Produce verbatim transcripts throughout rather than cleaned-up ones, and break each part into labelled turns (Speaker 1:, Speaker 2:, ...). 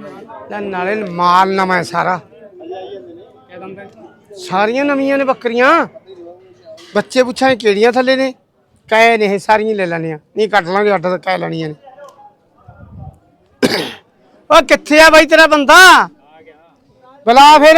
Speaker 1: नाले माल नवा है सारा, सारियां नवियां ने बकरियां। बच्चे पुछा केड़ियां थले ने, कै ने सारियां ले लैनियां, नहीं कट लांगे अड्ड कै लैनियां ने। ओ कित्थे आ बाई तेरा बंदा, बुला फिर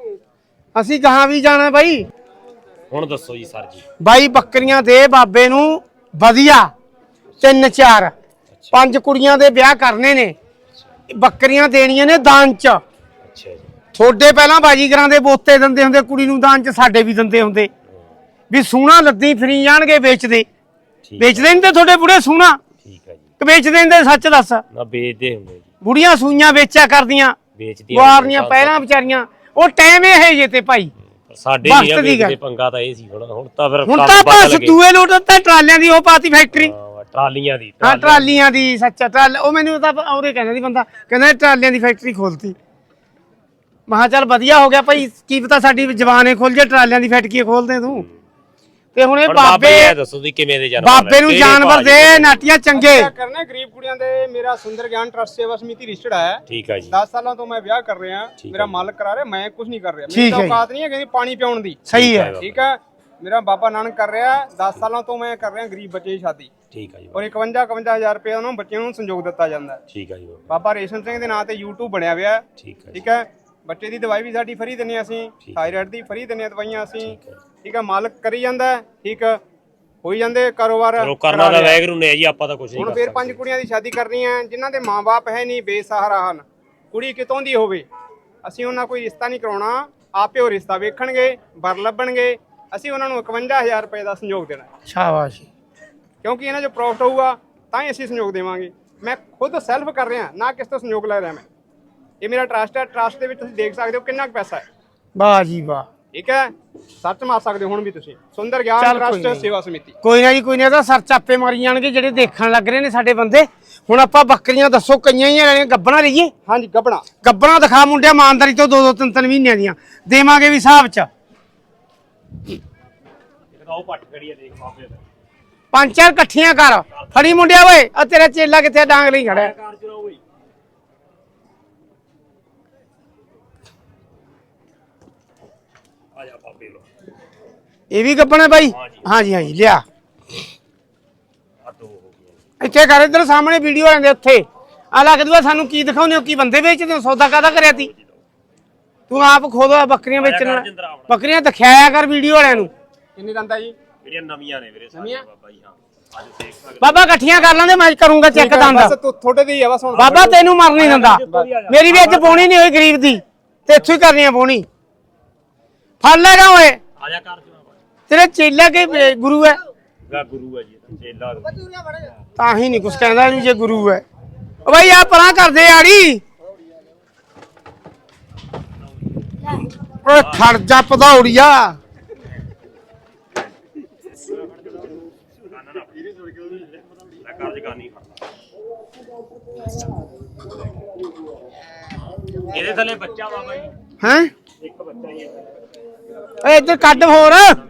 Speaker 1: असी कहां भी जाना बाई।
Speaker 2: हुण दसो जी सर जी।
Speaker 1: बाई बकरियां दे बाबे नू वधिया, तीन चार पंज कुड़ियां दे ब्याह करने ने, बकरियां देनियां ने दान च।
Speaker 2: अच्छा जी।
Speaker 1: थोड़े पहला बाजीगरां दे बोते दिंदे हुंदे कुड़ी नू दान च, साडे भी दिंदे हुंदे भी सूना लद्दी फिरी जाणगे बेचदे। बेचदे नहीं ते थोड़े बुढ़े सूना,
Speaker 2: ठीक है जी।
Speaker 1: कि बेचदे हुंदे सच दस?
Speaker 2: ना बेचदे हुंदे जी।
Speaker 1: बुढ़ियां सूइयां बेचा करदियां, गुआरनियां पैरां विचारियां। ਉਹ ਟਾਈਮ ਇਹ ਜੇ ਤੇ ਭਾਈ
Speaker 2: ਸਾਡੇ ਨਹੀਂ ਵੇਚਦੇ, ਪੰਗਾ ਤਾਂ ਇਹ ਸੀ। ਹੁਣ ਹੁਣ ਤਾਂ ਫਿਰ
Speaker 1: ਹੁਣ ਤਾਂ ਬਸ ਦੂਏ ਲੋਟ ਤਾਂ ਟਰਾਲਿਆਂ ਦੀ ਉਹ ਪਾਤੀ ਫੈਕਟਰੀ,
Speaker 2: ਟਰਾਲੀਆਂ ਦੀ।
Speaker 1: ਹਾਂ ਟਰਾਲੀਆਂ ਦੀ, ਸੱਚਾ ਟਰਾਲ। ਉਹ ਮੈਨੂੰ ਤਾਂ ਉਹਦੇ ਕਹਿੰਦਾ ਸੀ ਬੰਦਾ, ਕਹਿੰਦਾ ਟਰਾਲੀਆਂ ਦੀ ਫੈਕਟਰੀ ਖੋਲਤੀ। ਮਹਾ ਚੱਲ ਵਧੀਆ ਹੋ ਗਿਆ ਭਾਈ, ਕੀ ਪਤਾ ਸਾਡੀ ਜਵਾਨੇ ਖੋਲ ਜੇ ਟਰਾਲਿਆਂ ਦੀ ਫੈਕਟਰੀ ਖੋਲਦੇ ਤੂੰ। ਤੇ ਹੁਣ ਇਹ ਬਾਬੇ
Speaker 2: ਦੱਸੋ ਤੁਸੀਂ ਕਿਵੇਂ ਦੇ ਜਾਨਵਰ,
Speaker 1: ਬਾਬੇ ਨੂੰ ਜਾਨਵਰ ਦੇ ਨਾਟੀਆਂ ਚੰਗੇ
Speaker 3: ਕਰਨੇ ਗਰੀਬ ਕੁੜੀਆਂ ਦੇ। ਮੇਰਾ ਸੁੰਦਰ ਗਿਆਨ ਟਰਸਟ ਸੇਵਾ ਸਮਿਤੀ ਰਜਿਸਟਰਡ ਹੈ।
Speaker 2: ਠੀਕ ਹੈ ਜੀ।
Speaker 3: ਦਸ ਸਾਲਾਂ ਤੋਂ ਮੈਂ ਵਿਆਹ ਕਰ ਰਿਹਾ, ਮੇਰਾ ਮਾਲਕ ਕਰਾ ਰਿਹਾ, ਮੈਂ ਕੁਝ ਨਹੀਂ ਕਰ ਰਿਹਾ।
Speaker 1: ਮੇਰੀ
Speaker 3: ਔਕਾਤ ਨਹੀਂ ਹੈ ਕਿ ਪਾਣੀ ਪਿਆਉਣ ਦੀ।
Speaker 1: ਸਹੀ ਹੈ,
Speaker 3: ਠੀਕ ਹੈ। ਮੇਰਾ ਬਾਬਾ ਨਾਨਕ ਕਰ ਰਿਹਾ, ਦਸ ਸਾਲਾਂ ਤੋਂ ਮੈਂ ਕਰ ਰਿਹਾ ਗਰੀਬ ਬੱਚੇ ਦੀ ਸ਼ਾਦੀ।
Speaker 2: ਠੀਕ ਹੈ ਜੀ।
Speaker 3: ਔਰ ਇਕਵੰਜਾ ਇਕਵੰਜਾ ਹਜ਼ਾਰ ਰੁਪਏ ਉਹਨਾਂ ਬੱਚਿਆਂ ਨੂੰ ਸੰਯੋਗ ਦਿੱਤਾ ਜਾਂਦਾ।
Speaker 2: ਠੀਕ ਹੈ ਜੀ।
Speaker 3: ਬਾਬਾ ਰੇਸ਼ਮ ਸਿੰਘ ਦੇ ਨਾਂ ਤੇ YouTube ਬਣਿਆ ਹੋਇਆ।
Speaker 2: ਠੀਕ ਹੈ।
Speaker 3: ਠੀਕ ਹੈ। ਬੱਚੇ ਦੀ ਦਵਾਈ ਵੀ ਸਾਡੀ ਫਰੀ ਦਿੰਨੇ ਅਸੀਂ, ਥਾਇਰਾਇਡ ਦੀ ਫਰੀ ਦਿੰਨੇ ਦਵਾਈਆਂ ਅਸੀਂ। ਠੀਕ ਹੈ। ਮਾਲਕ ਕਰੀ ਜਾਂਦਾ। ਠੀਕ ਹੋਈ ਜਾਂਦੇ ਕਾਰੋਬਾਰ
Speaker 2: ਕਰਨਾ ਦਾ ਵੈਗਰੂ ਨੇ ਜੀ, ਆਪਾਂ ਤਾਂ ਕੁਝ ਨਹੀਂ।
Speaker 3: ਹੁਣ ਫੇਰ ਪੰਜ ਕੁੜੀਆਂ ਦੀ ਸ਼ਾਦੀ ਕਰਨੀ ਹੈ ਜਿਨ੍ਹਾਂ ਦੇ ਮਾਂ-ਬਾਪ ਹੈ ਨਹੀਂ, ਬੇਸਹਾਰਾ ਹਨ। ਕੁੜੀ ਕਿਤੋਂ ਦੀ ਹੋਵੇ, ਅਸੀਂ ਉਹਨਾਂ ਕੋਈ ਰਿਸ਼ਤਾ ਨਹੀਂ ਕਰਾਉਣਾ, ਆਪੇ ਉਹ ਰਿਸ਼ਤਾ ਵੇਖਣਗੇ, ਵਰ ਲੱਭਣਗੇ। ਅਸੀਂ ਉਹਨਾਂ ਨੂੰ ਇਕਵੰਜਾ ਹਜ਼ਾਰ ਰੁਪਏ ਦਾ ਸੰਯੋਗ ਦੇਣਾ।
Speaker 1: ਸ਼ਾਬਾਸ਼।
Speaker 3: ਕਿਉਂਕਿ ਇਹਨਾਂ 'ਚ ਪ੍ਰੋਫਿਟ ਹੋਊਗਾ ਤਾਂ ਹੀ ਅਸੀਂ ਸੰਯੋਗ ਦੇਵਾਂਗੇ। ਮੈਂ ਖੁਦ ਸੈਲਫ ਕਰ ਰਿਹਾ, ਨਾ ਕਿਸ ਤੋਂ ਸੰਯੋਗ ਲੈ ਰਿਹਾ। ਮੈਂ ਇਹ ਮੇਰਾ ਟਰਸਟ ਹੈ। ਟਰਸਟ ਦੇ ਵਿੱਚ ਤੁਸੀਂ ਦੇਖ ਸਕਦੇ ਹੋ ਕਿੰਨਾ ਕੁ ਪੈਸਾ ਹੈ।
Speaker 1: ਵਾਹ ਜੀ ਵਾਹ।
Speaker 3: ਠੀਕ ਹੈ। ਸੱਚ ਮਾਰ ਸਕਦੇ ਹੋ ਹੁਣ ਵੀ ਤੁਸੀਂ। ਸੁੰਦਰ ਗਿਆਨ ਟਰਸਟ ਸੇਵਾ ਸਮਿਤੀ।
Speaker 1: ਕੋਈ ਨਾ ਜੀ, ਕੋਈ ਨਾ, ਤਾਂ ਸਰ ਚਾਪੇ ਮਾਰੀ ਜਾਣਗੇ ਜਿਹੜੇ ਦੇਖਣ ਲੱਗ ਰਹੇ ਨੇ ਸਾਡੇ ਬੰਦੇ। ਹੁਣ ਆਪਾਂ ਬੱਕਰੀਆਂ ਦੱਸੋ ਕਈਆਂ ਹੀ ਲੈਣੀਆਂ, ਗੱਬਣਾ ਲਈਏ?
Speaker 3: ਹਾਂਜੀ ਗੱਬਣਾ।
Speaker 1: ਗੱਬਣਾ ਦਿਖਾ ਮੁੰਡਿਆ, ਇਮਾਨਦਾਰੀ ਤੋਂ ਦੋ ਦੋ ਤਿੰਨ ਤਿੰਨ ਮਹੀਨਿਆਂ ਦੀਆਂ ਦੇਵਾਂਗੇ ਵੀ ਹਿਸਾਬ ਚ। ਪੰਜ ਚਾਰ ਇਕੱਠੀਆਂ ਕਰ, ਫੜੀ ਮੁੰਡਿਆ ਓਏ। ਆ ਤੇਰਾ ਚੇਲਾ ਕਿੱਥੇ, ਡਾਂਗ ਲਈ ਖੜਾ? ਇਹ ਵੀ ਗੱਬਣਾ ਬਾਈ? ਹਾਂਜੀ ਹਾਂਜੀ ਲਿਆ। ਇੱਥੇ ਕਰ, ਇੱਧਰ ਸਾਹਮਣੇ ਵੀਡੀਓ ਆਉਂਦੇ ਉੱਥੇ ਆ ਲੱਗਦਾ। ਸਾਨੂੰ ਕੀ ਦਿਖਾਉਂਦੇ ਹੋ, ਕੀ ਬੰਦੇ ਵੇਚਦੇ ਹੋ? ਸੌਦਾ ਕਾਹਦਾ ਕਰਿਆ ਤੀ ਤੂੰ? ਆਪ ਖੁਦ ਬੱਕਰੀਆਂ ਵੇਚਣ, ਬੱਕਰੀਆਂ ਦਿਖਾਇਆ ਕਰ ਵੀਡੀਓ ਵਾਲਿਆਂ ਨੂੰ।
Speaker 3: ਕਿੰਨੇ ਦੰਦਾ ਜੀ?
Speaker 2: ਜਿਹੜੀਆਂ ਨਵੀਆਂ ਨੇ ਵੀਰੇ ਸਾਰੀਆਂ ਬਾਬਾ ਜੀ। ਹਾਂ
Speaker 1: ਬਾਬਾ ਇਕੱਠੀਆਂ ਕਰ ਲਾਂਦੇ, ਮੈਂ ਕਰੂੰਗਾ ਚੈੱਕ ਦੰਦ।
Speaker 3: ਬਸ ਤੁਹਾਡੇ ਦੀ ਆ ਬਸ। ਹੁਣ
Speaker 1: ਬਾਬਾ ਤੈਨੂੰ ਮਰ ਨਹੀਂ ਦਿੰਦਾ। ਮੇਰੀ ਵੀ ਅੱਜ ਪੋਣੀ ਨਹੀਂ ਹੋਈ ਗਰੀਬ ਦੀ, ਤੇ ਇੱਥੋਂ ਹੀ ਕਰਨੀ ਆ ਪੋਣੀ। ਫੜ ਲੈਗਾ ਓਏ।
Speaker 2: ਆ ਜਾ ਕਰ
Speaker 1: ਤੇਰੇ ਚੇਲਾ ਕੇ ਗੁਰੂ ਹੈ?
Speaker 2: ਗੁਰੂ ਹੈ ਜੀ, ਚੇਲਾ
Speaker 1: ਤਾਂ ਹੀ ਨਹੀਂ ਕੁਛ ਕਹਿੰਦਾ ਇਹਨੂੰ ਜੇ ਗੁਰੂ ਹੈ। ਓ ਬਾਈ ਆ ਪਰਾਂ ਕਰਦੇ ਆੜੀ। ਓਏ ਖੜ ਜਾ ਪਧੌੜੀਆ।
Speaker 2: ਇਹਦੇ ਥੱਲੇ ਬੱਚਾ ਬਾਬਾ ਜੀ।
Speaker 1: ਹੈ
Speaker 2: ਇੱਕ ਬੱਚਾ ਹੀ ਹੈ।
Speaker 1: ਓਏ ਇੱਧਰ ਕੱਢ ਹੋਰ।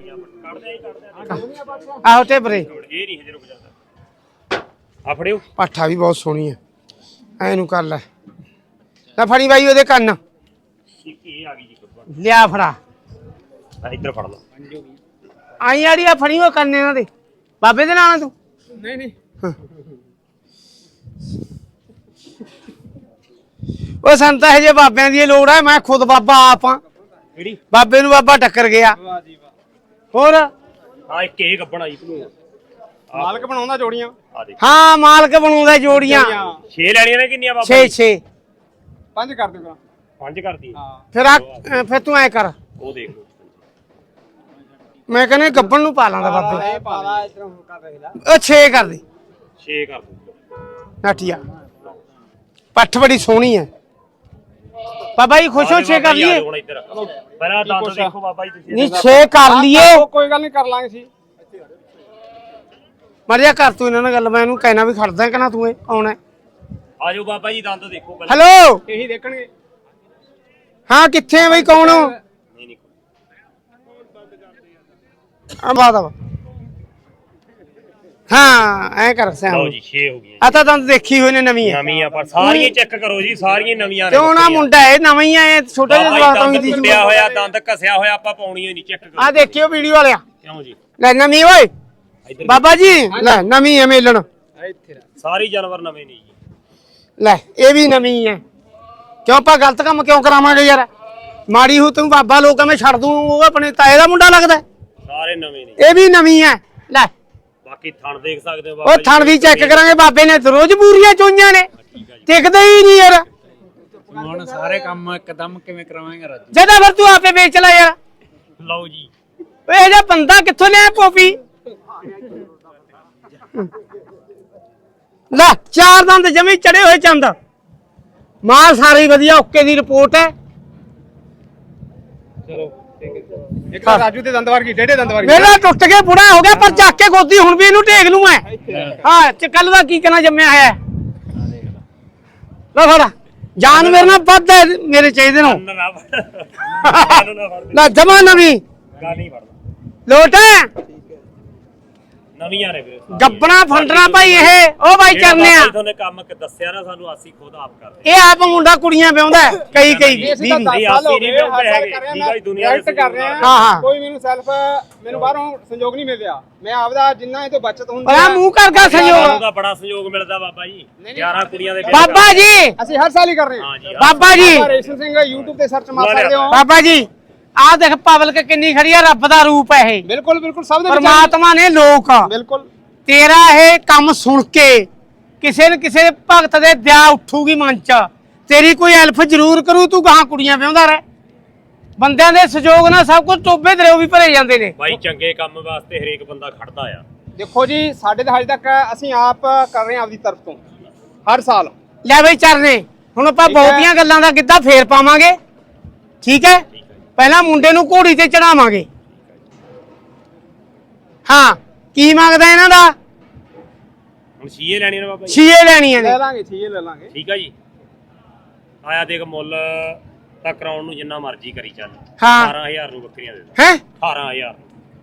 Speaker 1: ਆਹੋ ਟੇਬਰੇ।
Speaker 2: ਇਹ ਨਹੀਂ ਹਜੇ ਰੁਕ ਜਾਂਦਾ। ਆ ਫੜਿਓ।
Speaker 1: ਪਾਠਾ ਵੀ ਬਹੁਤ ਸੋਹਣੀ ਹੈ, ਐ ਨੂੰ ਕਰ ਲੈ। ਲੈ ਫੜੀ ਬਾਈ ਉਹਦੇ ਕੰਨ।
Speaker 2: ਇੱਕ ਇਹ ਆ ਗਈ ਜੀ।
Speaker 1: ਲਿਆ ਫੜਾ।
Speaker 2: ਇੱਧਰ ਫੜ ਲਾ।
Speaker 1: ਆਈ ਆੜੀ ਆ ਫੜੀ ਉਹ ਕੰਨ ਇਹਨਾਂ ਦੇ। ਬਾਬੇ ਦੇ ਨਾਲ ਤੂੰ?
Speaker 3: ਨਹੀਂ ਨਹੀਂ।
Speaker 1: ਉਹ ਸੰਤਾ ਹੈ ਜੇ ਬਾਬਿਆਂ ਦੀ ਲੋੜ ਹੈ। ਮੈਂ ਖੁਦ ਬਾਬਾ ਆਪ ਆ।
Speaker 2: ਕਿਹੜੀ
Speaker 1: ਬਾਬੇ ਨੂੰ ਬਾਬਾ ਟੱਕਰ ਗਿਆ।
Speaker 3: ਵਾਹ ਜੀ ਵਾਹ।
Speaker 1: ਹੋਰ
Speaker 2: ਹਾਂ ਇੱਕ ਇਹ ਗੱਬਣਾ ਜੀ।
Speaker 3: ਮਾਲਕ ਬਣਾਉਂਦਾ ਜੋੜੀਆਂ।
Speaker 2: ਆ ਦੇਖ।
Speaker 1: ਹਾਂ ਮਾਲਕ ਬਣਾਉਂਦਾ ਜੋੜੀਆਂ।
Speaker 2: ਛੇ ਲੈਣੀਆਂ ਨੇ ਕਿੰਨੀਆਂ ਬਾਬਾ?
Speaker 1: ਛੇ ਛੇ।
Speaker 3: ਪੰਜ ਕਰ ਦਿਓ।
Speaker 2: ਪੰਜ ਕਰਦੀ।
Speaker 3: ਹਾਂ
Speaker 1: ਫਿਰ ਆ ਫਿਰ ਤੂੰ ਐ ਕਰ,
Speaker 2: ਉਹ ਦੇਖ ਲਓ।
Speaker 1: ਮੈਂ ਕਹਿੰਦਾ ਗੱਬਣ ਨੂੰ ਪਾ ਲਾਂਦਾ ਬਾਬੇ।
Speaker 3: ਇਹ ਪਾ ਲਾ ਇਧਰੋਂ ਕਰ ਦੇਖ ਲੈ।
Speaker 1: ਉਹ ਛੇ ਕਰ ਦੇ।
Speaker 2: ਛੇ ਕਰ ਦੂੰ।
Speaker 1: ਨਾਟੀਆ ਪੱਠ ਬੜੀ ਸੋਹਣੀ ਹੈ। ਬਾਬਾ ਜੀ ਖੁਸ਼ ਹੋ? ਛੇ ਕਰ ਲਈਏ?
Speaker 2: ਹੁਣ ਇੱਧਰ ਪਹਿਲਾਂ ਦੰਦ ਦੇਖੋ ਬਾਬਾ ਜੀ ਤੁਸੀਂ।
Speaker 1: ਨਹੀਂ ਛੇ ਕਰ ਲਈਏ।
Speaker 3: ਕੋਈ ਗੱਲ ਨਹੀਂ, ਕਰ ਲਾਂਗੇ ਸੀ।
Speaker 1: ਮਰਿਆ ਕਰ ਤੂੰ ਇਹਨਾਂ ਨਾਲ ਗੱਲ। ਮੈਂ ਇਹਨੂੰ ਕਹਿਣਾ ਵੀ ਖੜਦਾ ਕਿ ਨਾ ਤੂੰ ਇਹ ਆਉਣਾ।
Speaker 2: ਆਜੋ ਬਾਬਾ ਜੀ ਦੰਦ ਦੇਖੋ ਪਹਿਲਾਂ।
Speaker 1: ਹੈਲੋ
Speaker 3: ਇਹੀ ਦੇਖਣਗੇ।
Speaker 1: ਹਾਂ ਕਿੱਥੇ ਆ ਬਈ, ਕੌਣ ਹੋ?
Speaker 2: ਨਹੀਂ ਨਹੀਂ
Speaker 1: ਆ ਬਾਦਾ ਹਾਂ ਐ ਕਰ ਸਿਆ
Speaker 2: ਲਓ ਜੀ ਛੇ ਹੋ ਗਈਆਂ
Speaker 1: ਆ ਤਾਂ ਦੰਦ ਦੇਖੀ ਹੋਏ ਨੇ ਨਵੀਂ ਹੈ
Speaker 2: ਨਵੀਆਂ ਪਰ ਸਾਰੀਆਂ ਚੈੱਕ ਕਰੋ ਜੀ ਸਾਰੀਆਂ ਨਵੀਆਂ ਨੇ
Speaker 1: ਕਿਉਂ ਨਾ ਮੁੰਡਾ ਇਹ ਨਵਾਂ ਹੀ ਆ ਛੋਟਾ ਜਿਹਾ ਜਵਾਕ
Speaker 2: ਦੰਦ
Speaker 1: ਹੋਈ ਦੀ
Speaker 2: ਟੁੱਟਿਆ ਹੋਇਆ ਦੰਦ ਘਸਿਆ ਹੋਇਆ ਆਪਾਂ ਪਾਉਣੀ ਹੀ ਨਹੀਂ ਚੈੱਕ ਕਰੋ
Speaker 1: ਆ ਦੇਖਿਓ ਵੀਡੀਓ ਵਾਲਿਆ
Speaker 2: ਕਿਉਂ ਜੀ
Speaker 1: ਲੈ ਨਵੀਂ ਓਏ
Speaker 2: ਇੱਧਰ
Speaker 1: ਬਾਬਾ ਜੀ ਲੈ ਨਵੀਂ ਹੈ ਮੇਲਣ
Speaker 2: ਸਾਰੀ ਜਾਨਵਰ ਨਵੇਂ ਨੇ ਜੀ
Speaker 1: ਲੈ ਇਹ ਵੀ ਨਵੀਂ ਹੈ ਕਿਉਂ ਆਪਾਂ ਗਲਤ ਕੰਮ ਕਿਉਂ ਕਰਾਵਾਂਗੇ ਯਾਰ ਮਾੜੀ ਹੋ ਤੂੰ ਬਾਬਾ ਲੋਕਾਂ ਮੈਂ ਛੱਡ ਦੂੰ ਉਹ ਆਪਣੇ ਤਾਏ ਦਾ ਮੁੰਡਾ ਲੱਗਦਾ
Speaker 2: ਸਾਰੇ ਨਵੇਂ ਨੇ
Speaker 1: ਇਹ ਵੀ ਨਵੀਂ ਹੈ ਲੈ
Speaker 2: ਬਾਕੀ ਥਣ ਦੇਖ ਸਕਦੇ ਹੋ
Speaker 1: ਉਹ ਥਣ ਵੀ ਚੈੱਕ ਕਰਾਂਗੇ ਬਾਬੇ ਨੇ ਰੋਜ਼ ਪੂਰੀਆਂ ਚੋਈਆਂ ਨੇ ਟਿਕਦੇ ਹੀ ਨਹੀਂ ਯਾਰ
Speaker 4: ਹੁਣ ਸਾਰੇ ਕੰਮ ਇੱਕਦਮ ਕਿਵੇਂ ਕਰਾਵਾਂਗੇ ਰਾਜੂ
Speaker 1: ਜਦਾ ਫਿਰ ਤੂੰ ਆਪੇ ਵੇਚ ਲੈ ਯਾਰ
Speaker 2: ਲਓ ਜੀ
Speaker 1: ਓਏ ਇਹ ਜਿਹਾ ਬੰਦਾ ਕਿੱਥੋਂ ਲਿਆ ਪੋਪੀ ਲੈ ਚਾਰ ਦੰਦ ਜਮੀ ਚੜੇ ਹੋਏ ਚੰਦ ਮਾਲ ਸਾਰੀ ਵਧੀਆ ਓਕੇ ਦੀ ਰਿਪੋਰਟ ਹੈ
Speaker 3: ਇੱਕ ਤਾਂ ਰਾਜੂ ਦੇ ਦੰਦ ਵਰਗੀ ਡੇਢੇ ਦੰਦ ਵਰਗੀ
Speaker 1: ਮੇਰਾ ਟੁੱਟ ਕੇ ਬੁੜਾ ਹੋ ਗਿਆ ਪਰ ਚੱਕ ਕੇ ਗੋਦੀ ਹੁਣ ਵੀ ਇਹਨੂੰ ਢੇਗ ਲੂੰ ਮੈਂ ਹਾਂ ਚ ਕੱਲ ਦਾ ਕੀ ਕਹਿਣਾ ਜੰਮਿਆ ਹੈ ਲੈ ਫੜਾ ਜਾਨ ਮੇਰੇ ਨਾਲ ਵੱਧ ਹੈ ਮੇਰੇ ਚਾਹੀਦੇ ਨੂੰ
Speaker 2: ਕੰਨ ਨਾ ਫੜ ਕੰਨ ਨਾ ਫੜ
Speaker 1: ਲੈ ਜਮਾ ਨਵੀਂ
Speaker 2: ਗਾ ਨਹੀਂ ਫੜਦਾ
Speaker 1: ਲੋਟ ਹੈ
Speaker 2: ਨਵੀਆਂ ਨੇ ਵੀਰੇ
Speaker 1: ਗੱਬਣਾ ਫੰਡਣਾ ਭਾਈ ਇਹ ਉਹ ਭਾਈ ਕਰਨੇ ਆ
Speaker 2: ਤੁਹਾਨੂੰ ਕੰਮ ਕਿ ਦੱਸਿਆ ਨਾ ਸਾਨੂੰ ਅਸੀਂ ਖੁਦ ਆਪ ਕਰਦੇ
Speaker 1: ਇਹ ਆਪ ਮੁੰਡਾ ਕੁੜੀਆਂ ਵਿਆਉਂਦਾ ਹੈ, ਕਈ ਕਈ
Speaker 3: ਅਸੀਂ ਤਾਂ
Speaker 1: ਵੀਹ
Speaker 3: ਦਸ
Speaker 2: ਨਹੀਂ,
Speaker 3: ਸਾਲ ਹੋ
Speaker 2: ਅਸੀਂ
Speaker 3: ਗਏ
Speaker 2: ਨਹੀਂ
Speaker 3: ਹਰ ਸਾਲ
Speaker 2: ਹੈਗੇ,
Speaker 3: ਕਰ ਰਹੇ
Speaker 2: ਠੀਕ ਆ ਜੀ, ਦੁਨੀਆ
Speaker 3: ਹਾਂ
Speaker 2: ਦੇ
Speaker 3: ਕਰ ਰਹੇ
Speaker 1: ਹਾਂ, ਹਾਂ।
Speaker 3: ਹਾਂ ਕੋਈ ਮੈਨੂੰ ਸੈਲਫ ਮੈਨੂੰ ਬਾਹਰੋਂ ਸੰਯੋਗ ਨਹੀਂ ਮਿਲਿਆ ਮੈਂ ਆਪਦਾ ਜਿੰਨਾ ਇਹ ਤੋਂ ਬਚਤ ਹੁੰਦੀ
Speaker 1: ਬੜਾ ਮੂੰਹ ਕਰ ਗਿਆ
Speaker 2: ਸਾਨੂੰ
Speaker 1: ਸੰਯੋਗ
Speaker 2: ਦਾ ਬੜਾ ਸਹਿਯੋਗ ਮਿਲਦਾ ਬਾਬਾ ਜੀ ਗਿਆਰਾਂ ਕੁੜੀਆਂ ਦੇ ਵਿਆਹ
Speaker 1: ਬਾਬਾ ਜੀ
Speaker 3: ਅਸੀਂ ਹਰ ਸਾਲ ਹੀ ਕਰ ਰਹੇ ਹਾਂ
Speaker 2: ਹਾਂ ਜੀ
Speaker 1: ਬਾਬਾ ਜੀ
Speaker 3: ਬਾਬਾ ਰੇਸ਼ਮ ਸਿੰਘ YouTube ਤੇ ਸਰਚ ਮਾਰ ਸਕਦੇ ਹੋ
Speaker 1: ਬਾਬਾ ਜੀ ਆਹ ਦੇਖ ਪਬਲਿਕ ਕਿੰਨੀ ਖੜੀ ਆ ਰੱਬ ਦਾ ਰੂਪ ਹੈ ਇਹ
Speaker 3: ਬਿਲਕੁਲ ਬਿਲਕੁਲ ਸਭ ਦੇ ਵਿੱਚ
Speaker 1: ਪਰਮਾਤਮਾ ਨੇ ਲੋਕ
Speaker 3: ਬਿਲਕੁਲ
Speaker 1: ਤੇਰਾ ਇਹ ਕੰਮ ਸੁਣ ਕੇ ਕਿਸੇ न ਕਿਸੇ ਭਗਤ ਦੇ ਦਿਆ ਉੱਠੂਗੀ ਮਨ ਚ ਤੇਰੀ ਕੋਈ ਹੈਲਪ ਜ਼ਰੂਰ ਕਰੂ ਤੂੰ ਗਾਹਾਂ ਕੁੜੀਆਂ ਵਿਆਹੁੰਦਾ ਰਹਿ ਬੰਦਿਆਂ ਦੇ ਸਹਿਯੋਗ ਨਾਲ ਸਭ ਕੁਝ ਟੋਬੇ ਦਰਿਓ ਵੀ ਭਰੇ ਜਾਂਦੇ ਨੇ
Speaker 2: ਬਾਈ ਚੰਗੇ ਕੰਮ ਵਾਸਤੇ ਹਰੇਕ ਬੰਦਾ ਖੜਦਾ ਆ
Speaker 3: ਦੇਖੋ ਜੀ ਸਾਡੇ ਤਾਂ ਹਜੇ ਤੱਕ ਅਸੀਂ ਆਪ ਕਰ ਰਹੇ ਹਾਂ ਆਪਦੀ ਤਰਫ ਤੋਂ ਹਰ ਸਾਲ
Speaker 1: ਲੈ ਬਈ ਚਰਨੇ ਹੁਣ ਆਪਾਂ
Speaker 3: ਠੀਕ ਹੈ।
Speaker 1: ਬਹੁਤੀਆਂ ਗੱਲਾਂ ਦਾ ਗਿੱਧਾ ਫੇਰ ਪਾਵਾਂਗੇ ਠੀਕ ਹੈ ਪਹਿਲਾਂ ਮੁੰਡੇ ਨੂੰ ਘੋੜੀ ਤੇ ਚੜਾਵਾਂਗੇ ਹਾਂ ਕੀ ਮੰਗਦਾ ਇਹਨਾਂ ਦਾ
Speaker 2: ਹੁਣ ਸੀਏ ਲੈਣੀ ਨੇ ਬਾਬਾ ਜੀ
Speaker 1: ਛੀਏ ਲੈਣੀਆਂ
Speaker 3: ਲੈ
Speaker 1: ਨੇ
Speaker 3: ਲਾਂਗੇ ਛੇ ਲੈ ਲਾਂਗੇ
Speaker 2: ਠੀਕ ਆ ਜੀ ਆਇਆ ਦੇਖ ਮੁੱਲ ਤਾਂ ਕਰਾਉਣ ਨੂੰ ਜਿੰਨਾ ਮਰਜ਼ੀ ਕਰੀ ਚੱਲ
Speaker 1: ਹਾਂ।
Speaker 2: ਅਠਾਰਾਂ ਹਜ਼ਾਰ ਨੂੰ ਬੱਕਰੀਆਂ ਦੇ ਦੇ
Speaker 1: ਹੈ
Speaker 2: ਅਠਾਰਾਂ ਹਜ਼ਾਰ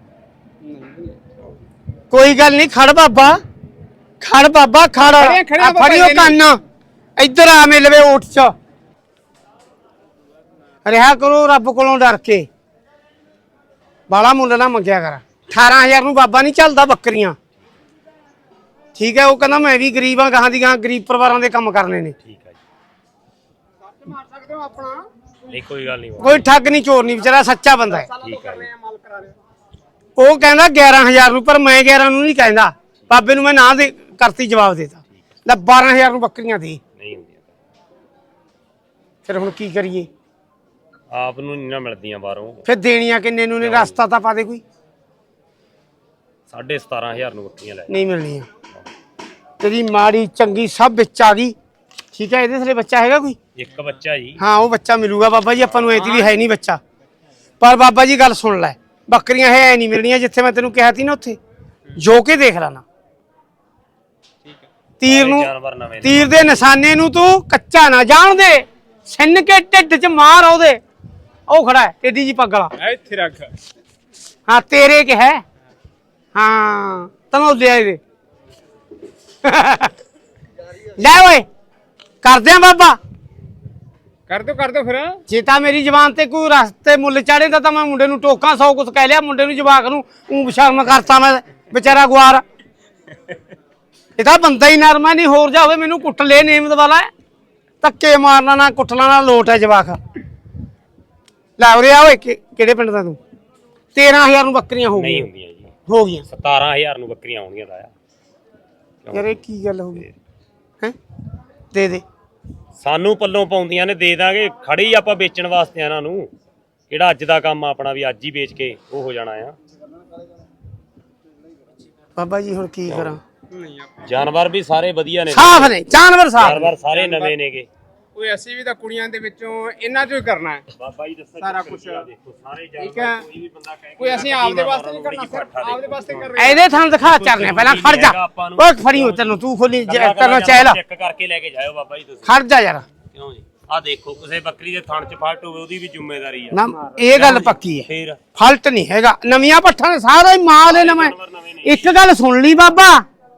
Speaker 1: ਕੋਈ ਗੱਲ ਨਹੀਂ ਖੜ ਬਾਬਾ ਖੜ ਬਾਬਾ ਖੜ
Speaker 3: ਖੜੇ- ਖੜੇ
Speaker 1: ਆ
Speaker 3: ਬਾਬਾ
Speaker 1: ਫੜਿਓ
Speaker 3: ਜੀ
Speaker 1: ਕੰਨ ਇੱਧਰ ਆ ਮੇ ਲਵੇ ਓਠ ਚ ਰਿਹਾ ਕਰੋ ਰੱਬ ਕੋਲੋਂ ਡਰ ਕੇ ਬਾਲਾ ਮੁੱਲ ਨਾ ਮੰਗਿਆ ਕਰ ਅਠਾਰਾਂ ਹਜ਼ਾਰ ਨੂੰ ਬਾਬਾ ਨਹੀਂ ਚੱਲਦਾ ਬੱਕਰੀਆਂ ਠੀਕ ਹੈ ਉਹ ਕਹਿੰਦਾ ਮੈਂ ਵੀ ਗਰੀਬ ਆ ਗਾਹਾਂ ਦੀ ਗਾਹਾਂ ਗਰੀਬ ਪਰਿਵਾਰਾਂ ਦੇ ਕੰਮ ਕਰਨੇ ਨੇ
Speaker 2: ਠੀਕ ਆ ਜੀ
Speaker 3: ਮਾਰ ਸਕਦੇ ਹੋ ਆਪਣਾ
Speaker 2: ਨਹੀਂ ਕੋਈ ਗੱਲ ਨਹੀਂ
Speaker 1: ਕੋਈ ਠੱਗ ਨਹੀਂ ਚੋਰ ਨਹੀਂ ਵਿਚਾਰਾ ਸੱਚਾ ਬੰਦਾ ਹੈ
Speaker 2: ਠੀਕ ਆ ਜੀ
Speaker 3: ਮਾਲ ਕਰਾ ਰਹੇ
Speaker 1: ਉਹ ਕਹਿੰਦਾ ਗਿਆਰਾਂ ਹਜ਼ਾਰ ਨੂੰ ਪਰ ਮੈਂ ਗਿਆਰਾਂ ਨੂੰ ਨਹੀਂ ਕਹਿੰਦਾ ਬਾਬੇ ਨੂੰ ਮੈਂ ਨਾ ਦੇ ਕਰਤੀ ਜਵਾਬ ਦੇਤਾ ਲੈ ਬਾਰਾਂ ਹਜ਼ਾਰ ਨੂੰ ਬੱਕਰੀਆਂ ਦੇ
Speaker 2: ਨਹੀਂ ਹੁੰਦੀਆਂ
Speaker 1: ਫਿਰ ਹੁਣ ਕੀ ਕਰੀਏ
Speaker 2: ਆਪ ਨੂੰ ਨਹੀਂ ਨਾ ਮਿਲਦੀਆਂ ਬਾਹਰੋਂ
Speaker 1: ਫਿਰ ਦੇਣੀਆਂ ਕਿੰਨੇ ਨੂੰ ਨੇ ਰਸਤਾ ਤਾਂ ਪਾ ਦੇ ਕੋਈ
Speaker 2: ਸਾਢੇ ਸਤਾਰਾਂ ਹਜ਼ਾਰ ਨੂੰ ਬੱਕਰੀਆਂ ਲੈ
Speaker 1: ਨਹੀਂ ਮਿਲਣੀਆਂ ਤੇਰੀ ਮਾੜੀ ਚੰਗੀ ਸਭ ਵਿੱਚ ਆ ਗਈ ਠੀਕ ਹੈ ਇਹਦੇ ਥਲੇ ਬੱਚਾ ਹੈਗਾ ਕੋਈ
Speaker 2: ਇੱਕ ਬੱਚਾ ਜੀ
Speaker 1: ਹਾਂ ਉਹ ਬੱਚਾ ਮਿਲੂਗਾ ਬਾਬਾ ਜੀ ਆਪਾਂ ਨੂੰ ਐਤੀ ਵੀ ਹੈ ਨਹੀਂ ਬੱਚਾ ਪਰ ਬਾਬਾ ਜੀ ਗੱਲ ਸੁਣ ਲੈ ਬੱਕਰੀਆਂ ਹੈ ਨਹੀਂ ਮਿਲਣੀਆਂ ਜਿੱਥੇ ਮੈਂ ਤੈਨੂੰ ਕਿਹਾ ਸੀ ਨਾ ਉੱਥੇ ਜੋ ਕੇ ਦੇਖ ਲੈਣਾ ਤੀਰ ਨੂੰ
Speaker 2: ਜਾਨਵਰ ਨਵੇਂ ਨੇ
Speaker 1: ਤੀਰ ਦੇ ਨਿਸ਼ਾਨੇ ਨੂੰ ਤੂੰ ਕੱਚਾ ਨਾ ਜਾਣ ਦੇ ਸਿੰਨ ਕੇ ਢਿੱਡ 'ਚ ਮਾਰ ਉਹਦੇ ਉਹ ਖੜਾ ਹੈ ਟੇਡੀ ਜੀ ਪੱਗ ਵਾਲਾ
Speaker 3: ਇੱਥੇ ਰੱਖ
Speaker 1: ਹਾਂ ਤੇਰੇ ਕਿ ਹੈ ਹਾਂ ਤਨੋ ਲਿਆ ਇਹਦੇ ਲੈ ਓਏ ਕਰਦੇ ਆ ਬਾਬਾ
Speaker 3: ਕਰ ਦੋ ਕਰ ਦੋ ਫਿਰ
Speaker 1: ਜੇ ਤਾਂ ਮੇਰੀ ਜ਼ਬਾਨ ਤੇ ਕੋਈ ਰਸਤੇ ਮੁੱਲ ਚਾੜੇ ਦਾ ਤਾਂ ਮੈਂ ਮੁੰਡੇ ਨੂੰ ਟੋਕਾਂ ਸੌ ਕੁਛ ਕਹਿ ਲਿਆ ਮੁੰਡੇ ਨੂੰ ਜਵਾਕ ਨੂੰ ਊਂ ਸ਼ਰਮ ਕਰਤਾ ਮੈਂ ਵਿਚਾਰਾ ਗੁਆਰ ਇਹ ਤਾਂ ਬੰਦਾ ਹੀ ਨਰਮਾ ਨਹੀਂ ਹੋਰ ਜਾ ਹੋਵੇ ਮੈਨੂੰ ਕੁੱਟ ਲੈ ਨੇਮਤ ਵਾਲਾ ਧੱਕੇ ਮਾਰਨਾ ਨਾ ਕੁੱਟਣਾ ਨਾ ਲੋਟ ਹੈ ਜਵਾਕ ਲੈ ਉਰੇ ਆ ਓਏ ਕਿ- ਕਿਹੜੇ ਪਿੰਡ ਦਾ ਤੂੰ ਤੇਰਾਂ ਹਜ਼ਾਰ ਨੂੰ ਬੱਕਰੀਆਂ ਹੋ
Speaker 2: ਨਹੀਂ
Speaker 1: ਗਈਆਂ
Speaker 2: ਹੁੰਦੀਆਂ ਜੀ
Speaker 1: ਹੋ ਗਈਆਂ
Speaker 2: ਸਤਾਰਾਂ ਹਜ਼ਾਰ ਨੂੰ ਬੱਕਰੀਆਂ ਆਉਣਗੀਆਂ ਦਾ ਆ
Speaker 1: ਯਾਰ ਇਹ ਕੀ ਗੱਲ ਹੋ ਗਈ ਹੈ ਦੇ ਦੇ
Speaker 2: ਸਾਨੂੰ ਪੱਲੋਂ ਪਾਉਂਦੀਆਂ ਨੇ ਦੇ ਦਾਂਗੇ ਖੜੀ ਆਪਾਂ ਵੇਚਣ ਵਾਸਤੇ ਇਹਨਾਂ ਨੂੰ ਕਿਹੜਾ ਅੱਜ ਦਾ ਕੰਮ ਆ ਆਪਣਾ ਵੀ ਅੱਜ ਹੀ ਵੇਚ ਕੇ ਉਹ ਹੋ ਜਾਣਾ ਆ
Speaker 1: ਬਾਬਾ ਜੀ ਹੁਣ ਕੀ ਕਰਾਂ
Speaker 2: ਜਾਨਵਰ ਵੀ ਸਾਰੇ ਵਧੀਆ ਨੇ
Speaker 1: ਸਾਫ ਨੇ ਜਾਨਵਰ ਸਾਫ
Speaker 2: ਜਾਨਵਰ ਸਾਰੇ ਨਵੇਂ ਨੇਗੇ
Speaker 3: ਓਏ ਅਸੀਂ ਵੀ ਤਾਂ ਕੁੜੀਆਂ ਦੇ ਵਿੱਚੋਂ ਇਹਨਾਂ ਚੋਂ ਹੀ ਕਰਨਾ ਹੈ
Speaker 2: ਬਾਬਾ ਜੀ ਦੱਸੋ
Speaker 3: ਸਾਰਾ ਕੁਛ।
Speaker 2: ਦੇਖੋ ਸਾਰੇ
Speaker 3: ਠੀਕ ਹੈ।
Speaker 2: ਜਾਨਵਰ ਕੋਈ ਵੀ ਬੰਦਾ ਕਹੇ
Speaker 3: ਕੋਈ ਅਸੀਂ ਆਪਦੇ ਵਾਸਤੇ ਨਹੀਂ ਕਰਨਾ ਸਿਰਫ ਆਪਦੇ ਵਾਸਤੇ ਕਰ ਰਹੇ ਹਾਂ
Speaker 1: ਇਹਦੇ ਥਾਂ ਦਿਖਾ ਚਰਨੇ ਪਹਿਲਾਂ ਖੜ ਜਾ ਓਏ ਫੜੀ ਹੋ ਤੈਨੂੰ ਤੂੰ ਖੋਲੀ ਕਰਨਾ ਚਾਹਿਲਾ
Speaker 2: ਚੈੱਕ ਕਰਕੇ ਲੈ ਕੇ ਜਾਇਓ ਬਾਬਾ ਜੀ ਤੁਸੀਂ
Speaker 1: ਖੜ ਜਾ ਯਾਰ
Speaker 2: ਕਿਉਂ ਜੀ ਆ ਦੇਖੋ ਕਿਸੇ ਬੱਕਰੀ ਦੇ ਥਣ ਚ ਫਾਲਟ ਹੋਵੇ ਉਹਦੀ ਵੀ ਜ਼ਿੰਮੇਵਾਰੀ ਆ
Speaker 1: ਨਾ ਇਹ ਗੱਲ ਪੱਕੀ ਹੈ
Speaker 2: ਫੇਰ
Speaker 1: ਫਾਲਟ ਨਹੀਂ ਹੈਗਾ ਨਵੀਆਂ ਪੱਠਾਂ ਨੇ ਸਾਰਾ ਹੀ ਮਾਲ ਹੈ ਨਵਾਂ
Speaker 2: ਜਾਨਵਰ ਨਵੇਂ ਨੇ
Speaker 1: ਇੱਕ ਗੱਲ ਸੁਣ ਲਈ ਬਾਬਾ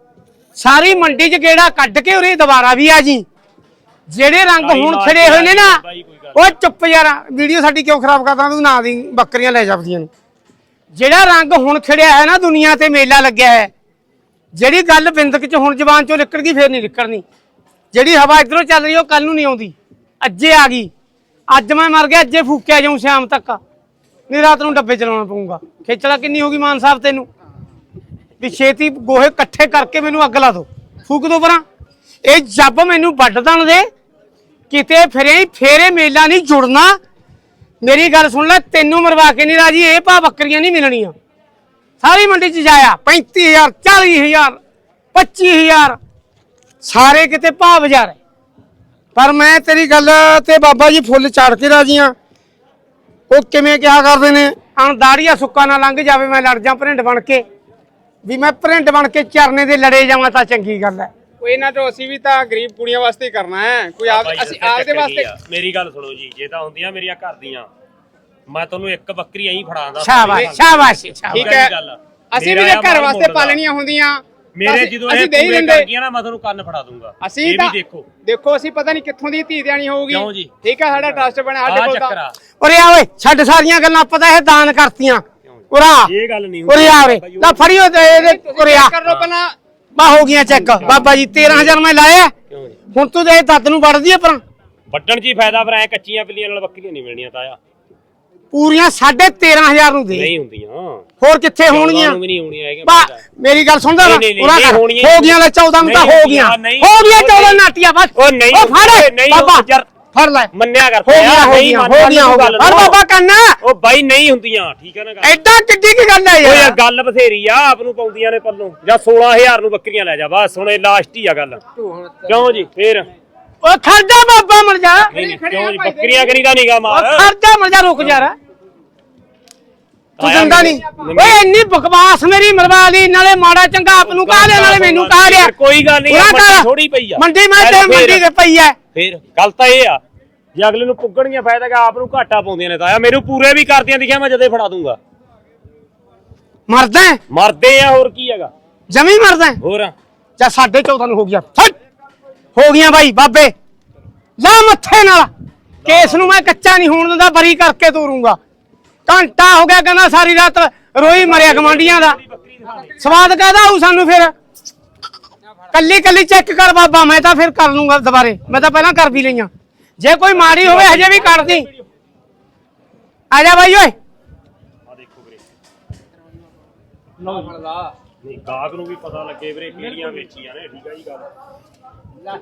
Speaker 1: ਸਾਰੀ ਮੰਡੀ 'ਚ ਗੇੜਾ ਕੱਢ ਕੇ ਉਰੇ ਦੁਬਾਰਾ ਵੀ ਆ ਜੀ। ਜਿਹੜੇ ਰੰਗ ਹੁਣ ਖੜੇ ਹੋਏ ਨੇ ਨਾ ਉਹ ਚੁੱਪ ਯਾਰ, ਵੀਡੀਓ ਸਾਡੀ ਕਿਉਂ ਖਰਾਬ ਕਰਦਾ ਤੂੰ? ਨਾ ਦੀ ਬੱਕਰੀਆਂ ਲੈ ਜਾਂਦੀਆਂ ਨੇ। ਜਿਹੜਾ ਰੰਗ ਹੁਣ ਖੜਿਆ ਹੈ ਨਾ, ਦੁਨੀਆ ਤੇ ਮੇਲਾ ਲੱਗਿਆ ਹੈ, ਜਿਹੜੀ ਗੱਲ ਬਿੰਦਕ 'ਚ ਹੁਣ ਜ਼ਬਾਨ 'ਚੋਂ ਨਿਕਲ ਗਈ ਫੇਰ ਨਹੀਂ ਨਿਕਲਣੀ। ਜਿਹੜੀ ਹਵਾ ਇਧਰੋਂ ਚੱਲ ਰਹੀ ਉਹ ਕੱਲ ਨੂੰ ਨਹੀਂ ਆਉਂਦੀ, ਅੱਜੇ ਆ ਗਈ। ਅੱਜ ਮੈਂ ਮਰ ਗਿਆ, ਅੱਜੇ ਫੂਕਿਆ ਜਾਊਂ ਸ਼ਾਮ ਤੱਕ, ਨਹੀਂ ਰਾਤ ਨੂੰ ਡੱਬੇ ਚਲਾਉਣਾ ਪਊਗਾ। ਖੇਚਲਾ ਕਿੰਨੀ ਹੋ ਗਈ ਮਾਨ ਸਾਹਿਬ ਤੈਨੂੰ ਵੀ ਛੇਤੀ ਗੋਹੇ ਇਕੱਠੇ ਕਰਕੇ ਮੈਨੂੰ ਅੱਗ ਲਾ ਦੋ, ਫੂਕ ਦੋ ਪਰਾਂ। ਇਹ ਜੱਬ ਮੈਨੂੰ ਵੱਢ ਦੇਣ ਦੇ ਕਿਤੇ, ਫਿਰੇ ਫੇਰੇ ਮੇਲਾ ਨਹੀਂ ਜੁੜਨਾ। ਮੇਰੀ ਗੱਲ ਸੁਣ ਲੈ, ਤੈਨੂੰ ਮਰਵਾ ਕੇ ਨਹੀਂ ਰਾਜੀ, ਇਹ ਭਾ ਬੱਕਰੀਆਂ ਨਹੀਂ ਮਿਲਣੀਆਂ। ਸਾਰੀ ਮੰਡੀ 'ਚ ਜਾਇਆ ਪੈਂਤੀ ਹਜ਼ਾਰ, ਚਾਲੀ ਹਜ਼ਾਰ, ਪੱਚੀ ਹਜ਼ਾਰ, ਸਾਰੇ ਕਿਤੇ ਭਾਅ ਬਾਜ਼ਾਰ। ਪਰ ਮੈਂ ਤੇਰੀ ਗੱਲ ਤੇ ਬਾਬਾ ਜੀ ਫੁੱਲ ਚਾੜ ਕੇ ਰਾਜੀ ਆ। ਉਹ ਕਿਵੇਂ ਕਿਹਾ ਕਰਦੇ ਨੇ, ਅਣ ਦਾੜੀਆ ਸੁੱਕਾ ਨਾ ਲੰਘ ਜਾਵੇ, ਮੈਂ ਲੜ ਜਾ ਭਰਿੰਡ ਬਣ ਕੇ, ਵੀ ਮੈਂ ਭਰਿੰਡ ਬਣ ਕੇ ਚਰਨੇ ਦੇ ਲੜੇ ਜਾਵਾਂ ਤਾਂ ਚੰਗੀ ਗੱਲ ਹੈ।
Speaker 3: ਕੋਈ ਇਹਨਾਂ ਤੋਂ ਅਸੀਂ ਵੀ ਤਾਂ ਗਰੀਬ ਕੁੜੀਆਂ ਵਾਸਤੇ ਹੀ ਕਰਨਾ ਹੈ, ਕੋਈ ਆਪ ਅਸੀਂ ਆਪਦੇ ਵਾਸਤੇ।
Speaker 2: ਮੇਰੀ ਗੱਲ ਸੁਣੋ ਜੀ, ਜੇ ਤਾਂ ਹੁੰਦੀਆਂ ਮੇਰੀਆਂ ਘਰ ਦੀਆਂ, ਮੈਂ ਤੁਹਾਨੂੰ ਇੱਕ ਬੱਕਰੀ ਐਂ ਫੜਾਉਂਦਾ।
Speaker 1: ਸ਼ਾਬਾਸ਼ ਸ਼ਾਬਾਸ਼।
Speaker 3: ਠੀਕ ਹੈ, ਅਸੀਂ ਵੀ ਘਰ ਵਾਸਤੇ ਪਾਲਣੀਆਂ ਹੁੰਦੀਆਂ।
Speaker 2: ਮੇਰੇ ਜਦੋਂ ਇਹ ਪੂਰੇ ਕਰ ਗਈਆਂ ਨਾ, ਮੈਂ ਤੁਹਾਨੂੰ ਕੰਨ ਫੜਾ ਦੂੰਗਾ।
Speaker 3: ਅਸੀਂ
Speaker 2: ਇਹ ਵੀ ਦੇਖੋ
Speaker 3: ਦੇਖੋ ਅਸੀਂ ਪਤਾ ਨਹੀਂ ਕਿੱਥੋਂ ਦੀ ਧੀ ਦੇਣੀ ਹੋਊਗੀ।
Speaker 2: ਕਿਉਂ ਜੀ?
Speaker 3: ਠੀਕ ਹੈ, ਸਾਡਾ ਟਰਸਟ ਬਣਿਆ ਸਾਡੇ ਕੋਲ ਤਾਂ।
Speaker 1: ਉਰੇ ਆ ਓਏ, ਛੱਡ ਸਾਰੀਆਂ ਗੱਲਾਂ, ਪਤਾ ਇਹ ਦਾਨ ਕਰਤੀਆਂ। ਉਰਾ
Speaker 2: ਇਹ ਗੱਲ ਨਹੀਂ
Speaker 1: ਉਰੇ ਆ ਓਏ, ਲੈ ਫੜਿਓ ਤੇ ਇਹਦੇ ਉਰੇ ਆ
Speaker 3: ਕਰ ਲੋ ਪਹਿਲਾਂ।
Speaker 1: ਬਾ ਹੋ ਗਈਆਂ ਚੈੱਕ ਬਾਬਾ ਜੀ, ਤੇਰਾਂ ਹਜ਼ਾਰ ਮੈਂ ਲਾਇਆ। ਹੁਣ ਤੂੰ ਦੇ ਦੱਤ ਨੂੰ ਵੜਦੀ ਆ ਪਰ
Speaker 2: ਵੱਢਣ 'ਚ ਹੀ ਫਾਇਦਾ, ਪਰ ਐ ਕੱਚੀਆਂ ਬਿੱਲੀਆਂ ਨਾਲ ਬੱਕਰੀਆਂ ਨਹੀਂ ਮਿਲਣੀਆਂ ਤਾਇਆ।
Speaker 1: ਪੂਰੀਆਂ ਸਾਢੇ ਤੇਰਾਂ ਹਜ਼ਾਰ ਨੂੰ ਦੇ।
Speaker 2: ਨਹੀਂ ਹੁੰਦੀਆਂ,
Speaker 1: ਹੋਰ ਕਿੱਥੇ ਹੋਣਗੀਆਂ?
Speaker 2: ਵੀ ਨਹੀਂ ਹੋਣੀਆਂ ਹੈਗੀਆਂ।
Speaker 1: ਬਾ ਮੇਰੀ ਗੱਲ ਸੁਣਦਾ ਨਾ, ਉਰਾ ਕਰ, ਹੋ ਗਈਆਂ ਲੈ ਚੌਦਾਂ ਨੂੰ ਤਾਂ ਹੋ ਗਈਆਂ, ਹੋ ਗਈਆਂ ਚੌਦਾਂ ਨਾਟੀਆਂ ਬਸ।
Speaker 2: ਉਹ ਨਹੀਂ,
Speaker 1: ਉਹ ਫੜ ਬਾਬਾ,
Speaker 2: ਯਾਰ
Speaker 1: ਫੜ ਲੈ,
Speaker 2: ਮੰਨਿਆ ਕਰ।
Speaker 1: ਹੋ ਗਈਆਂ ਹੋ ਗਈਆਂ ਹੋ ਗਈਆਂ ਹੋ ਗਈਆਂ। ਫੜ ਬਾਬਾ ਕੰਨਾ,
Speaker 2: ਉਹ ਬਾਈ ਨਹੀਂ ਹੁੰਦੀਆਂ, ਠੀਕ ਹੈ ਨਾ ਗੱਲ।
Speaker 1: ਐਡਾ ਕਿੱਡੀ ਕੀ ਗੱਲ ਹੈ
Speaker 2: ਓ ਯਾਰ
Speaker 1: ਯਾਰ?
Speaker 2: ਗੱਲ ਬਥੇਰੀ ਆ, ਆਪ ਨੂੰ ਪਾਉਂਦੀਆਂ ਨੇ ਪੱਲੋਂ। ਜਾਂ ਸੋਲਾਂ ਹਜ਼ਾਰ ਨੂੰ ਬੱਕਰੀਆਂ ਲੈ ਜਾ ਬਸ, ਹੁਣ ਇਹ ਲਾਸਟ ਹੀ ਆ ਗੱਲ। ਕਿਉਂ ਜੀ? ਫੇਰ
Speaker 1: ਓ ਖਰਜਾ ਬਾਬਾ ਮਰ ਜਾ,
Speaker 2: ਨਹੀਂ ਕਿਉਂ ਜੀ? ਬੱਕਰੀਆਂ ਕਰੀਦਾ ਨੀਗਾ ਮਾਰ।
Speaker 1: ਓ ਖਰਜਾ ਮਰ ਜਾ, ਰੁਕ ਜਾ ਰਾ, ਤੂੰ ਜਾਂਦਾ ਨਹੀਂ। ਓਏ ਇੰਨੀ ਬਕਵਾਸ ਮੇਰੀ ਮਰਵਾ ਲਈ, ਨਾਲੇ ਮਾੜਾ ਚੰਗਾ ਆਪ ਨੂੰ ਕਹਾ ਲਿਆ, ਨਾਲੇ ਮੈਨੂੰ ਕਹਾ ਲਿਆ।
Speaker 2: ਕੋਈ ਗੱਲ ਨਹੀਂ, ਮੰਡੀ ਥੋੜੀ ਪਈ ਆ।
Speaker 1: ਮੰਡੀ ਮੈਂ ਤੇ ਮੰਡੀ ਤੇ ਪਈ ਐ।
Speaker 2: ਫੇਰ ਗੱਲ ਤਾਂ ਇਹ ਆ, ਜੇ ਅਗਲੇ ਨੂੰ ਪੁੱਗਣੀਆਂ ਫਾਇਦਾ ਕਿ ਆਪ ਨੂੰ ਘਾਟਾ ਪਾਉਂਦੀਆਂ ਨੇ ਤਾਇਆ। ਮੈਨੂੰ ਪੂਰੇ ਵੀ ਕਰਦੀਆਂ ਦਿਖਿਆ, ਮੈਂ ਜਦੇ ਫੜਾ ਦੂੰਗਾ।
Speaker 1: ਮਰਦਾ
Speaker 2: ਮਰਦੇ ਆ, ਹੋਰ ਕੀ ਹੈਗਾ,
Speaker 1: ਜਮੀ ਮਰਦਾ
Speaker 2: ਹੋਰ।
Speaker 1: ਜਾਂ ਸਾਢੇ ਚੌਦਾਂ ਨੂੰ ਹੋ ਗਿਆ, ਹੋ ਗਈਆਂ ਬਾਈ ਬਾਬੇ, ਲਾ ਮੱਥੇ ਨਾਲ। ਕੇਸ ਨੂੰ ਮੈਂ ਕੱਚਾ ਨਹੀਂ ਹੋਣ ਦਿੰਦਾ, ਬਰੀ ਕਰਕੇ ਤੋਰੂੰਗਾ। ਘੰਟਾ ਹੋ ਗਿਆ ਕਹਿੰਦਾ ਸਾਰੀ ਰਾਤ ਰੋਈ ਮਰਿਆ ਗਵਾਂਡੀਆਂ ਦਾ, ਸਵਾਦ ਕਾਹਦਾ ਆਊ ਸਾਨੂੰ? ਫਿਰ ਕੱਲੀ ਕੱਲੀ ਚੈੱਕ ਕਰ ਬਾਬਾ, ਮੈਂ ਤਾਂ ਫਿਰ ਕਰ ਲੂੰਗਾ ਦੁਬਾਰੇ, ਮੈਂ ਤਾਂ ਪਹਿਲਾਂ ਕਰ ਵੀ ਲਈਆਂ। ਜੇ ਕੋਈ ਮਾੜੀ ਹੋਵੇ ਹਜੇ ਵੀ ਕੱਢਦੀ। ਆ ਜਾ ਬਾਈ ਓਏ,
Speaker 2: ਆ ਦੇਖੋ ਵੀਰੇ, ਨਹੀਂ ਗਾਹਕ ਨੂੰ ਵੀ ਪਤਾ ਲੱਗੇ ਵੀਰੇ ਕਿਹੜੀਆਂ ਵੇਚੀਆਂ ਨੇ, ਠੀਕ ਆ ਜੀ ਗੱਲ।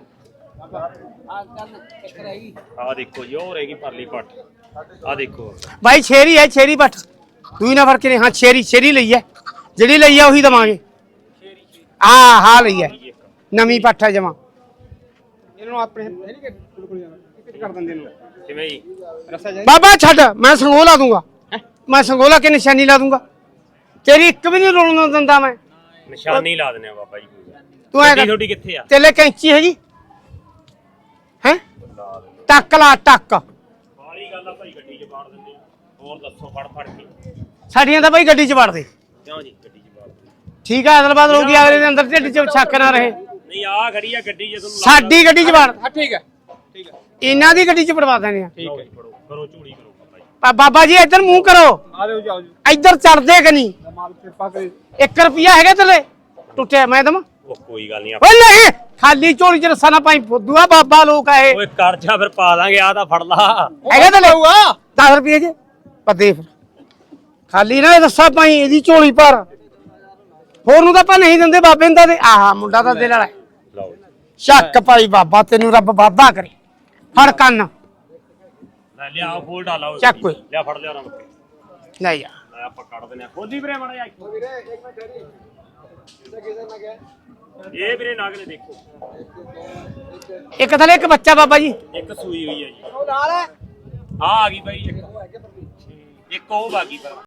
Speaker 2: ਆ ਦੇਖੋ ਜੀ, ਉਹ ਰਹੇਗੀ ਪਰਲੀ ਪੱਟ। ਆ ਦੇਖੋ
Speaker 1: ਬਾਈ ਛੇਰੀ ਹੈ, ਛੇਰੀ ਪੱਠ ਤੂੰ ਨਾ ਫਰਕ ਨਹੀਂ। ਹਾਂ ਛੇਰੀ ਛੇਰੀ ਲਈ ਹੈ, ਜਿਹੜੀ ਲਈ ਹੈ ਉਹੀ ਦਵਾਂਗੇ। ਆ ਹਾਂ ਲਈ ਹੈ, ਨਵੀਂ ਪੱਠ ਹੈ ਜਮਾ।
Speaker 3: ਇਹਨੂੰ ਆਪਣੇ ਕਰ ਦਿੰਦੇ ਨੂੰ
Speaker 2: ਕਿਵੇਂ ਜੀ?
Speaker 3: ਰਸਾ ਜਾ
Speaker 1: ਬਾਬਾ ਛੱਡ, ਮੈਂ ਸੰਗੋਲਾ ਲਾ ਦੂੰਗਾ, ਮੈਂ ਸੰਗੋਲਾ ਕੇ ਨਿਸ਼ਾਨੀ ਲਾ ਦੂੰਗਾ। ਤੇਰੀ ਇੱਕ ਵੀ ਨਹੀਂ ਰੋਲਣ ਦਿੰਦਾ ਮੈਂ।
Speaker 2: ਨਿਸ਼ਾਨੀ ਲਾ ਦਿੰਦੇ ਆ ਬਾਬਾ ਜੀ।
Speaker 1: ਤੂੰ ਐ
Speaker 2: ਤੁਹਾਡੀ ਕਿੱਥੇ ਆ?
Speaker 1: ਤੇਲੇ ਕੈਂਚੀ ਹੈਗੀ ਹੈ? ਟੱਕ ਲਾ ਟੱਕ।
Speaker 2: ਸਾਰੀ ਗੱਲ ਆ ਭਾਈ, ਗੱਡੀ 'ਚ ਬਾੜ ਦਿੰਦੇ ਆ। ਹੋਰ ਦੱਸੋ, ਫੜ ਫੜ ਕੇ
Speaker 1: ਸਾਡੀਆਂ ਤਾਂ ਬਾਈ ਗੱਡੀ 'ਚ ਵੜ ਦੇ।
Speaker 2: ਕਿਉਂ ਜੀ? ਗੱਡੀ 'ਚ ਬਾੜ ਦਿੰਦੇ।
Speaker 1: ਠੀਕ ਆ, ਅਦਲਬਾਦ ਹੋ ਗਈ, ਅਗਲੇ ਦੇ ਅੰਦਰ ਢਿੱਡ 'ਚ ਛੱਕ ਨਾ ਰਹੇ।
Speaker 2: ਨਹੀਂ ਆ ਖੜੀ ਆ ਗੱਡੀ, ਜੇ ਤੁਹਾਨੂੰ
Speaker 1: ਸਾਡੀ ਗੱਡੀ 'ਚ ਵੜ,
Speaker 3: ਹਾਂ ਠੀਕ ਹੈ ਠੀਕ ਹੈ
Speaker 1: ਇਹਨਾਂ ਦੀ ਗੱਡੀ 'ਚ ਵੜਵਾ ਦੇਣੇ ਆ।
Speaker 2: ਠੀਕ ਹੈ, ਫੜੋ ਕਰੋ ਝੂੜੀ ਕਰੋ ਬਾਬਾ ਜੀ।
Speaker 1: ਆ ਬਾਬਾ ਜੀ ਇੱਧਰ ਮੂੰਹ ਕਰੋ,
Speaker 3: ਆ ਜਾਓ ਜਾਓ ਜੀ,
Speaker 1: ਇੱਧਰ ਚੜਦੇ ਕਿ ਨਹੀਂ?
Speaker 3: ਮਾਲ ਕਿਰਪਾ ਕਰੇ।
Speaker 1: ਇੱਕ ਰੁਪਿਆ ਹੈਗਾ ਤੇਰੇ ਟੁੱਟਿਆ ਮੈਂ ਦਮ?
Speaker 2: ਉਹ ਕੋਈ ਗੱਲ ਨਹੀਂ,
Speaker 1: ਓਏ ਨਹੀਂ, ਖਾਲੀ ਝੋਲੀ 'ਚ ਰੱਸਾ ਨਾ ਪਾਈ, ਫੁੱਦੂਆ ਬਾਬਾ ਲੋਕ ਆ ਇਹ।
Speaker 2: ਓਏ ਕਰ ਜਾ ਫਿਰ, ਪਾ ਦਾਂਗੇ। ਆ ਤਾਂ ਫੜ ਲਾ,
Speaker 1: ਹੈਗਾ ਤਾਂ ਲਊਗਾ ਦਸ ਰੁਪਏ ਜੇ ਪੱਦੇ, ਖਾਲੀ ਨਾ ਰੱਸਾ ਪਾਈ ਇਹਦੀ ਝੋਲੀ ਪਰ। ਹੋਰ ਨੂੰ ਤਾਂ ਆਪਾਂ ਨਹੀਂ ਦਿੰਦੇ ਬਾਬੇ ਨੂੰ ਤਾਂ। ਆਹ ਮੁੰਡਾ ਤਾਂ ਦਿਲ ਵਾਲਾ
Speaker 2: ਲਓ
Speaker 1: ਸ਼ੱਕ ਭਾਈ, ਬਾਬਾ ਤੈਨੂੰ ਰੱਬ ਵਾਧਾ ਕਰੇ। ਫੜ ਕੰਨ
Speaker 2: ਲੈ ਲਿਆ, ਫੋਲ ਡਾਲਾ
Speaker 1: ਚੱਕ ਓਏ,
Speaker 2: ਲਿਆ, ਫੜ ਲਿਆ ਨਾ ਬੱਕੇ,
Speaker 1: ਲੈ ਜਾ।
Speaker 2: ਲੈ ਆਪਾਂ ਕੱਢ ਦਿੰਦੇ ਆ। ਖੋਲੀ ਵੀਰੇ ਮਾੜਾ ਜਿਹਾ। ਇਹ ਵੀਰੇ ਨਾਗ ਨੇ ਦੇਖੋ,
Speaker 1: ਇੱਕ ਥਲੇ ਇੱਕ ਬੱਚਾ ਬਾਬਾ ਜੀ,
Speaker 2: ਇੱਕ ਸੂਈ ਹੋਈ ਹੈ ਜੀ।
Speaker 3: ਉਹ ਨਾਲ ਹੈ
Speaker 2: ਆ ਆ ਗਈ ਬਾਈ, ਇੱਕ ਇੱਕ ਉਹ ਬਾਕੀ ਪਰ